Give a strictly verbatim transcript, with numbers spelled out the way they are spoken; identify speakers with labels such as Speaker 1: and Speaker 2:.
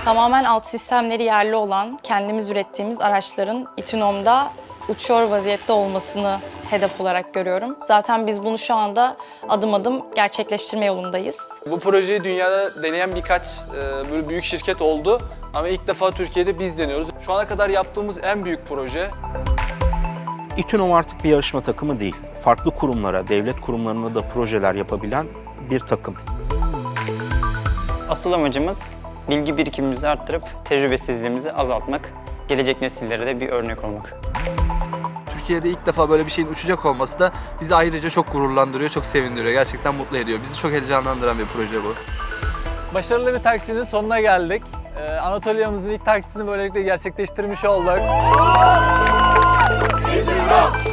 Speaker 1: Tamamen alt sistemleri yerli olan, kendimiz ürettiğimiz araçların İTÜNOM'da uçuyor vaziyette olmasını hedef olarak görüyorum. Zaten biz bunu şu anda adım adım gerçekleştirme yolundayız.
Speaker 2: Bu projeyi dünyada deneyen birkaç e, böyle büyük şirket oldu ama ilk defa Türkiye'de biz deniyoruz. Şu ana kadar yaptığımız en büyük proje.
Speaker 3: İTÜNOM artık bir yarışma takımı değil. Farklı kurumlara, devlet kurumlarına da projeler yapabilen bir takım.
Speaker 4: Asıl amacımız bilgi birikimimizi arttırıp tecrübesizliğimizi azaltmak, gelecek nesillere de bir örnek olmak.
Speaker 5: Türkiye'de ilk defa böyle bir şeyin uçacak olması da bizi ayrıca çok gururlandırıyor, çok sevindiriyor. Gerçekten mutlu ediyor. Bizi çok heyecanlandıran bir proje bu.
Speaker 2: Başarılı bir taksinin sonuna geldik. Ee, Anatolia'mızın ilk taksisini böylelikle gerçekleştirmiş olduk.